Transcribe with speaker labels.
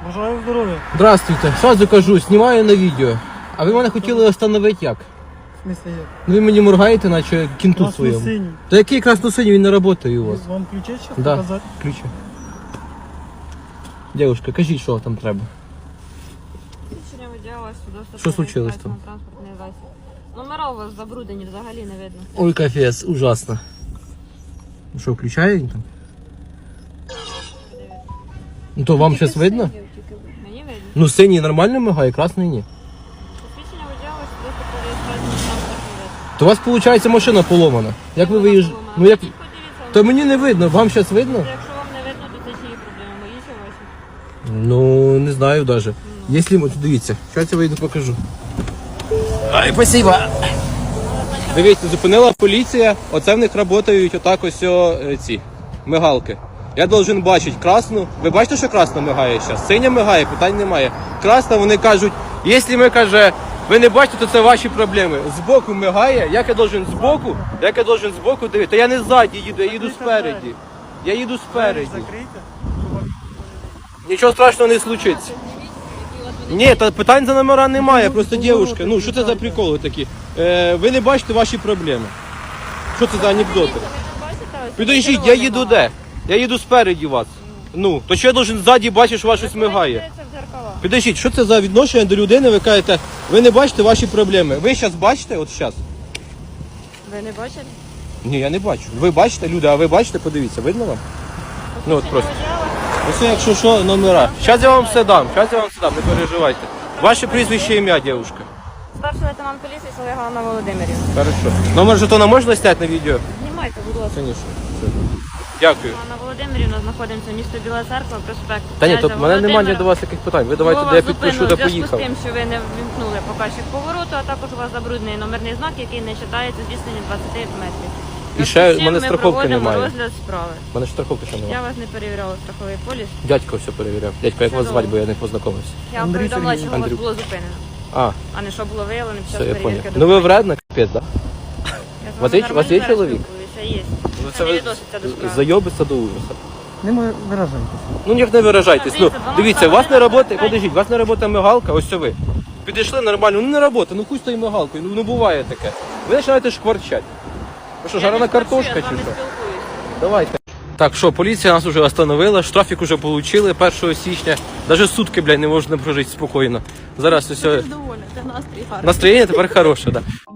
Speaker 1: Бажаю здоров'я.
Speaker 2: Здравствуйте, сразу кажу, знімаю на відео. А ви мене хотіли остановити як?
Speaker 1: В смысле як?
Speaker 2: Ну ви мені моргаєте, наче кінту своєму.
Speaker 1: Красно-синій.
Speaker 2: Та який красно-синій, він не працює у вас?
Speaker 1: Вам ключі зараз
Speaker 2: Да,
Speaker 1: показати?
Speaker 2: ключі. Дівушка, кажіть, що там треба.
Speaker 3: Свідчення виділа свідоцтво.
Speaker 2: Що случилось там?
Speaker 3: Транспортний засіб. Номера у вас забруднені, взагалі не видно.
Speaker 2: Ой, капець, ужасно. Ну що, включає він там? Ну то вам зараз видно?
Speaker 3: Мені видно.
Speaker 2: Ну синій нормально мигає, красний ні.
Speaker 3: Свідчення виділа свідоцтво про реєстрацію транспортного засобу.
Speaker 2: То у вас виходить машина поломана. Як ви виїжджаєте? Ну як... То мені не видно, вам зараз видно?
Speaker 3: Якщо вам не видно, то це чиї проблеми, мої чи ваші?
Speaker 2: Ну, не знаю даже. Якщо, от дивіться, зараз я вийду покажу. Ай, спасибо. Дивіться, зупинила поліція, оце в них працюють отак ось ці мигалки. Я должен бачити красну. Ви бачите, що красна мигає зараз? Синя мигає, питань немає. Красна, вони кажуть, якщо ми, каже, ви не бачите, то це ваші проблеми. Збоку мигає, як я должен збоку дивитися? Та я не ззаді їду, я їду спереді. Я їду спереді.
Speaker 1: Закрийте.
Speaker 2: Нічого страшного не случиться. Ні, та питань за номера немає, просто дівчинка. Ну, що це за приколи такі? Ви не бачите ваші проблеми. Що це за анекдоти? Підождіть, я їду де? Я їду спереді вас. Ну, то що я должен ззаді бачити, що вас щось мигає? Підождіть, що це за відношення до людини? Ви кажете, ви не бачите ваші проблеми. Ви зараз бачите, от зараз?
Speaker 3: Ви не бачите?
Speaker 2: Ні, я не бачу. Ви бачите, люди, а ви бачите, подивіться, видно вам? Ну от просто. Ось якщо що, номера. Зараз я вам все дам, не переживайте. Ваше прізвище, ім'я, дівчинка.
Speaker 3: Старший лейтенант поліції Солега Анна Володимирівна.
Speaker 2: Хорошо. Номер жетона можна зняти на відео?
Speaker 3: Знімайте, будь ласка.
Speaker 2: Звісно. Дякую.
Speaker 3: Анна Володимирівна, знаходимося місто Біла Церква, проспект.
Speaker 2: Та ні,
Speaker 3: Князя
Speaker 2: то в мене немає
Speaker 3: Володимира.
Speaker 2: до вас яких питань. Ви давайте, де я підпишу, де
Speaker 3: У зв'язку
Speaker 2: поїхав.
Speaker 3: з тим, що ви не ввімкнули показчик повороту, а також у вас забруднений номерний знак, який не вважається з відстані 20 метрів.
Speaker 2: І ще в мене
Speaker 3: ми
Speaker 2: страховки
Speaker 3: проводимо
Speaker 2: немає.
Speaker 3: розгляд справи.
Speaker 2: У мене ж страховки ще немає.
Speaker 3: Я вас не перевіряла страховий поліс.
Speaker 2: Дядько все перевіряв. Дядько, як вас звати, бо я не познайомився.
Speaker 3: Я вам
Speaker 1: Андрій
Speaker 3: повідомила,
Speaker 1: Сергійович.
Speaker 3: чого вас
Speaker 2: Андрюк.
Speaker 3: було зупинено,
Speaker 2: А,
Speaker 3: а не що було виявлено під час
Speaker 2: все, я
Speaker 3: перевірки
Speaker 2: понял. Ну ви
Speaker 3: документів.
Speaker 2: вредна, капець, да?
Speaker 3: Я з
Speaker 2: У вас
Speaker 3: вами
Speaker 2: є
Speaker 3: нормально зараз
Speaker 2: чоловік?
Speaker 3: спілкуюся, Є.
Speaker 2: Ну
Speaker 3: Це не відноситься до справи.
Speaker 2: зайобиться до ужаса.
Speaker 1: Не виражайтеся.
Speaker 2: Ну ніяк не виражайтесь. Ну,
Speaker 3: Дивіться,
Speaker 2: дивіться, у вас не
Speaker 3: 12
Speaker 2: робота, подождіть, у вас не робота мигалка, ось це ви. Підійшли нормально, ну не робота, ну хуй з тою мигалкою, ну буває таке. Ви починаєте шкварчати. Ви що, жарена картошка чи що? Давайте. Так, що, поліція нас вже остановила, штрафик вже отримали 1 січня. Навіть сутки, блядь, не можна прожити спокійно. Зараз усе.
Speaker 3: Доволі, це настрій гарний.
Speaker 2: Настроєння тепер хороше, так. Да.